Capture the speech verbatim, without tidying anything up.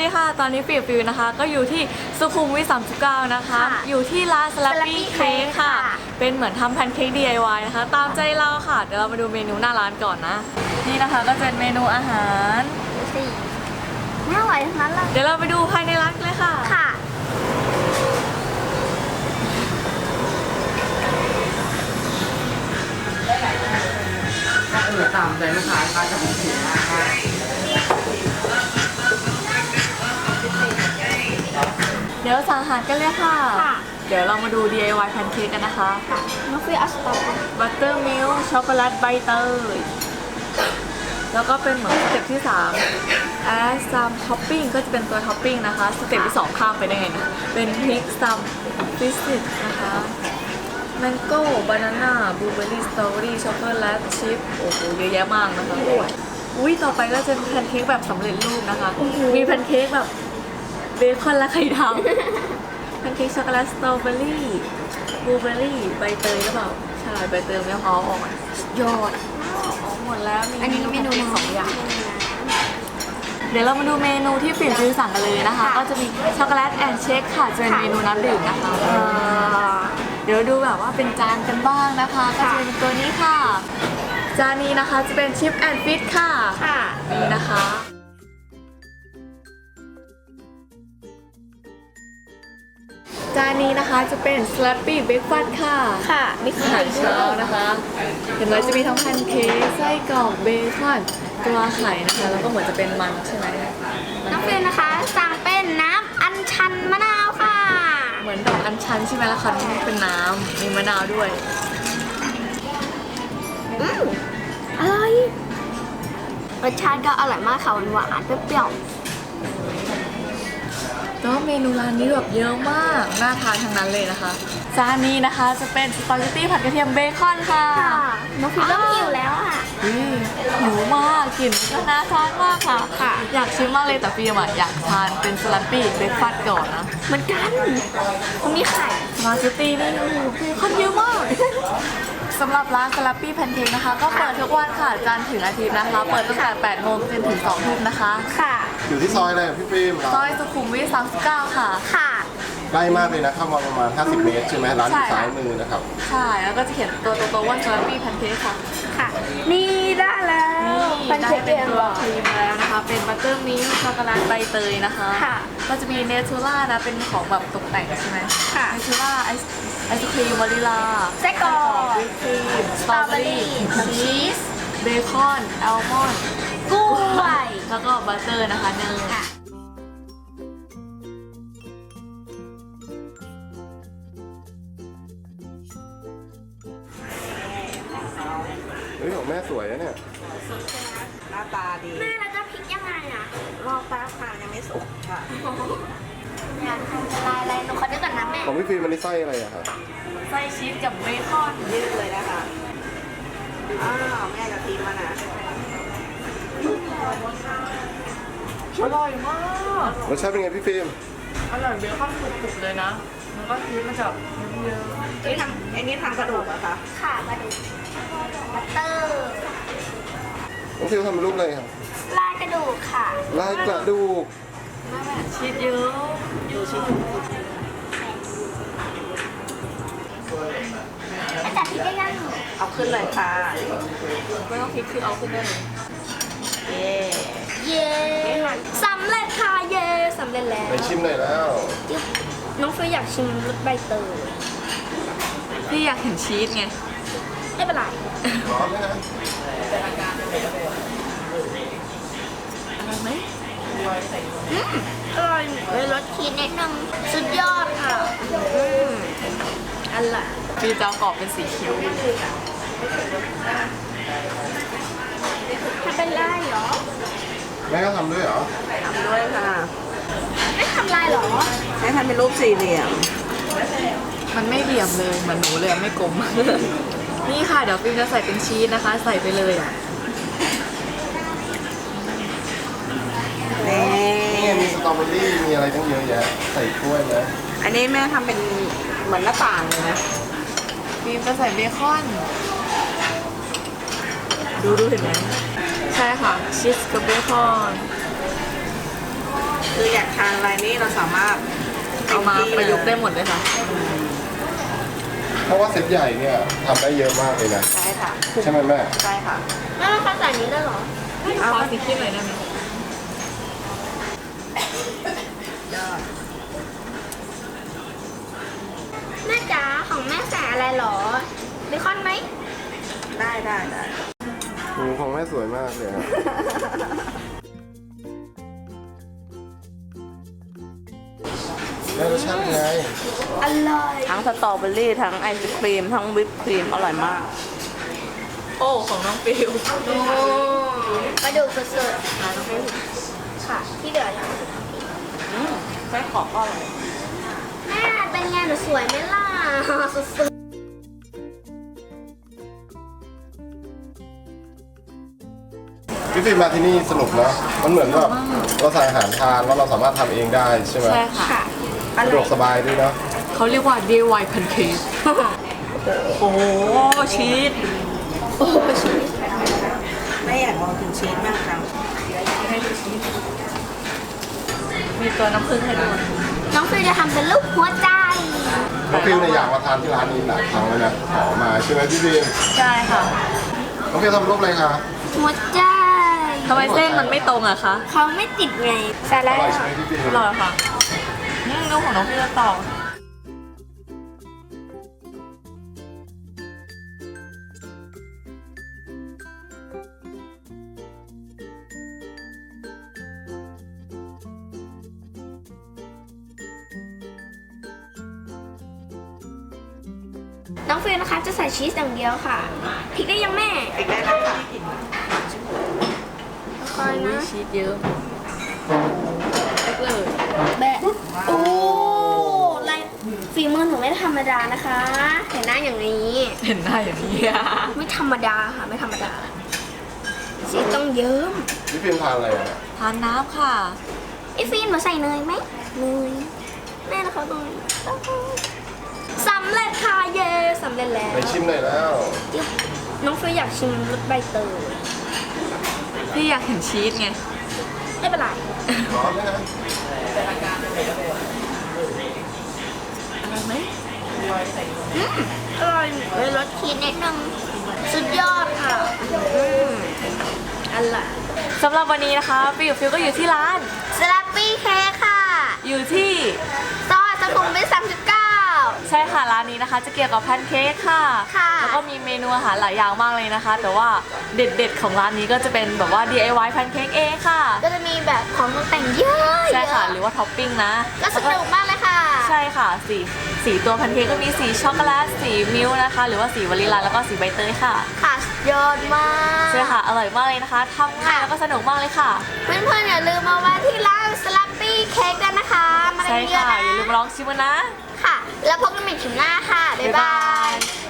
ดีค่ะตอนนี้ฟิวฟิวนะคะก็อยู่ที่สุขุมวิทสามสิบเก้านะคะอยู่ที่ร้านสลับปี้เค้กค่ะเป็นเหมือนทำแพนเค้ก ดี ไอ วาย นะคะตามใจเราค่ะเดี๋ยวเรามาดูเมนูหน้าร้านก่อนนะนี่นะคะก็จะเป็นเมนูอาหารสี่น่าอร่อยทั้งนั้นเลยเดี๋ยวเราไปดูภายในร้านเลยค่ะค่ะเออตามใจลูกค้าค่ะจะเป็นสีมากค่ะเดี๋ยวสั่งอาหารกันเลยค่ะเดี๋ยวเรามาดู ดี ไอ วาย แพนเค้กกันนะคะน้องฟิวเอาสตรอเบอรี่บัตเตอร์มิลค์ช็อกโกแลตใบเตยแล้วก็เป็นเหมือนสเต็ปที่สามแอสซัมท็อปปิ้งก็จะเป็นตัวท็อปปิ้งนะคะสเต็ปที่สองข้ามไปได้ไงนะเป็นพริกซัมฟิสตินะคะแมงโก้บานาน่าบลูเบอร์รี่สตรอเบอรี่ช็อกโกแลตชิพโอ้โหเยอะแยะมากนะคะอุ้ยต่อไปก็จะเป็นแพนเค้กแบบสำเร็จรูปนะคะมีแพนเค้กแบบเบคอนและไข่ดาวแพนเค้กช็อกโกแลตสตรอเบอรี่บลูเบอร์รี่ใบเตยหรือเปล่าใช่ใบเตยไม่พอออกมายอดออกหมดแล้วมีอันนี้เมนูสองอย่างเดี๋ยวเรามาดูเมนูที่ฟิล์มซื้อสั่งกันเลยนะคะก็จะมีช็อกโกแลตแอนด์เชคค่ะจะเป็นเมนูน้ำดื่มนะคะเดี๋ยวดูแบบว่าเป็นจานกันบ้างนะคะก็จะเป็นตัวนี้ค่ะจานนี้นะคะจะเป็นชิปแอนด์ฟิตค่ะค่ะนี่นะคะจานนี้นะคะจะเป็น Slappy Breakfast ค่ะค่ะมีอาหารเช้านะคะเห็นไหมจะมีทั้งแพนเค้กไส้กรอกเบคอนตัวไข่นะคะแล้วก็เหมือนจะเป็นมันใช่ไหมน้องฟิวนะคะสั่งเป็นน้ำอัญชันมะนาวค่ะเหมือนดอกอัญชันใช่ไหมล่ะคะนี่เป็นน้ำมีมะนาวด้วยอืมอร่อยรสชาติก็อร่อยมากค่ะหวานๆเปรี้ยวแล้วเมนูร้านนี้แบบเยอะมากน่าทานทั้งนั้นเลยนะคะจานนี้นะคะจะเป็นสปาเกตตี้ผัดกระเทียมเบคอนค่ะน้องฟิวเริ่มหิวแล้วอ่ะหิวมากกลิ่นก็น่าทานมากค่ะค่ะอยากชิมมากเลยแต่ฟิล์มอ่ะอยากทานเป็นสลัดปี้เบคฟาสต์ก่อนนะเหมือนกันมันมีไข่สปาเกตตี้นี่โอ้โหคนเยอะมากสำหรับร้านสลัดปี้แพนเค้กนะคะก็เปิดทุกวันค่ะจันทร์ถึงอาทิตย์นะคะเปิดตั้งแต่แปดโมงจนถึงสองทุ่มนะคะค่ะอยู่ที่ซอยอะไรพี่ฟิล์มซอยสุขุมวิทสามสิบเก้าค่ะค่ะใกล้มากเลยนะเข้ามาประมาณห้าสิบเมตรใช่ไหมร้านอยู่ซ้ายมือนะครับใช่แล้วก็จะเขียนตัวโตๆว่าสลัดปี้แพนเค้กค่ะค่ะนี่ได้แล้วแพนเค้กเป็นตัวครีมแล้วนะคะเป็นบัตเตอร์มิลค์ช็อกโกแลตใบเตยนะคะค่ะก็จะมีเนทูล่านะเป็นของแบบตกแต่งใช่ไหมค่ะเนทูล่าไอศไอศครีมวานิลาไส้กรอกวิปครีมสตรอเบอรี่ชีสเบคอนอัลมอนด์กล้วยแล้วก็บัตเตอร์นะคะเนยเฮ้ยของแม่สวยนะเนี่ยหน้าตาดีแม่แล้วจะพริกยังไงอ่ะรอบแป๊บค่ะยังไม่สุกค่ะอยากทำลายอะไรหนูขอดูก่อนนะแม่ของพี่ฟิล์มมันนี่ไส้อะไรอะครับไส้ชีสกับเบคอนยืดเลยนะคะอ้าวแม่กับทีมมานะอร่อยมากรสชาติเป็นไงพี่ฟิล์มอร่อยเบคอนกรุบๆเลยนะแล้วก็ชีสมันจะเยอะไอ้ทำไอ้นี่ทำกระดูกอะคะค่ะกระดูกบัตเตอร์น้องฟิล์มทำเป็นรูปอะไรครับลายกระดูกค่ะลายกระดูกชีสเยอะดูชิ้นอาจารย์พริกได้ยังเอาขึ้นเลยค่ะไม่ต้องพริกคือเอาขึ้นได้เลยเย่เย้สำเร็จค่ะเย้สำเร็จแล้วไปชิมหน่อยแล้วน้องฟิวอยากชิมรสใบเตยพี่อยากเห็นชีสไงไม่เป็นไรร้อนไหมนะอร่อยไหมอร่อยเลยรสชีสนิดนึงสุดยอดค่ะอืมอร่อยพี่จะกรอบเป็นสีเขียวทำเป็นไรเหรอแม่ก็ทำด้วยเหรอทำด้วยค่ะไม่ทำลายเหรอให้ทำเป็นรูปสี่เหลี่ยมมันไม่เหลี่ยมเลยเหมือนหนูเลยไม่กลมนี่ค่ะเดี๋ยวฟิล์มจะใส่เป็นชีสนะคะใส่ไปเลยอ่ะนี่มีสตรอเบอรี่มีอะไรตั้งเยอะแยะใส่ถ้วยนะอันนี้แม่ทำเป็นเหมือนหน้าต่างเลยนะฟิล์มจะใส่เบคอนดูดูเห็นไหมใช่ค่ะชีสกับเบคอนคืออยากทานอะไรนี่เราสามารถเอามาประยุกต์ได้หมดเลยค่ะเพราะว่าเซตใหญ่เนี่ยทำได้เยอะมากเลยนะใช่ค่ะใช่ไหมแม่ใช่ค่ะแล้วเราใส่นี้ได้เหรอขอสีขี้หน่อยได้ไหมยอดแม่จ๋าของแม่ใส่อะไรเหรอเบคอนไหมได้ได้ได้หมูของแม่สวยมากเลยครับแม่รสชาติเป็นไงอร่อยทั้งสตรอเบอรี่ทั้งไอศครีมทั้งวิปครีมอร่อยมากโอ้ของน้องฟิวโอ้กระดูกสดๆค่ะ ที่เหลือยังอืมไส้กรอกก็อร่อยแม่เป็นไงหนูสวยไหมล่ะสุดพี่ฟิล์มมาที่นี่สนุกเนอะมันเหมือนแบบเราสั่งอาหารทานแล้วเราสามารถทำเองได้ใช่ไหมใช่ๆค่ะค่ะสะดวกสบายด้วยเนอะเขาเรียกว่า ดี ไอ วาย pancake โอ้โหชีสโอ้ชีสไม่อยากลองกินชีสมากจังมีตัวน้ำผึ้งให้ด้วยน้องฟิวจะทำเป็นรูปหัวใจน้องฟิลเนี่ยอยากมาทานที่ร้านนี้หลายครั้งแล้วนะขอมาใช่ไหมพี่ฟิล์มใช่ค่ะน้องฟิลทำรูปอะไรคะหัวใจทำไมเส้นมันไม่ตรงอะคะเขาไม่ติดไงใส่อแล้วร่อยใช่ไหมพี่ฟิล์มอร่อยค่ะนี่ดูของน้องพี่จะต่อน้องฟิวนะคะจะใส่ชีสอย่างเดียวค่ะพริกได้ยังแม่อีกได้แล้วค่ะคอยนะชีสเยอะเล็กเลยแบะโอ้ลายฝีมือหนูไม่ธรรมดานะคะ เห็นหน้าอย่างนี้เห็นหน้าอย่างนี้อะไม่ธรรมดาค่ะไม่ธรรมดาชีสต้องเยิ้มพี่ฟิล์มทานอะไรอ่ะทานน้ำค่ะไอฟิล์มหนูใส่เนยไหมเนยแม่นะคะตรงนี้สำเร็จค่ะเย้สำเร็จแล้วไปชิมหน่อยแล้วน้องฟิวอยากชิมรสใบเตยพี่อยากเห็นชีสไงไม่เป็นไรร้อนไหมฮะอร่อยไหมอืมอร่อยเลยรสชีสนิดนึงสุดยอดค่ะอืมอร่อยสำหรับวันนี้นะคะฟิวฟิวก็อยู่ที่ร้านสลัดปี้เค้กค่ะอยู่ที่ซอยสุขุมวิทสามสิบเก้าใช่ค่ะร้านนี้นะคะ จะเกี่ยวกับแพนเค้กค่ะค่ะแล้วก็มีเมนูอาหารหลายอย่างมากเลยนะคะ แต่ว่าเด็ดๆของร้านนี้ก็จะเป็นแบบว่า ดี ไอ วาย แพนเค้กเองค่ะก็จะมีแบบของตกแต่งเยอะใช่ค่ะ หเยรือว่าท็อปปิ้งนะก็สนุกมากเลยค่ะใช่ค่ะสีสีตัวแพนเค้กก็มีสีช็อกโกแลตสีมิลค์นะคะ หรือว่าสีวานิลลาแล้วก็สีใบเตยค่ะค่ะยอดมากใช่ค่ะอร่อยมากเลยนะคะทำง่ายแล้วก็สนุกมากเลยค่ะเพื่อนๆอย่าลืมมาแวะที่ร้านสลัดปี้เค้กกันนะคะ มาใช่เยอะค่ะๆอย่าลืมนะลองชิมกันนะค่ะ แล้วพบกันใหม่คลิปหน้าค่ะ บ๊ายบาย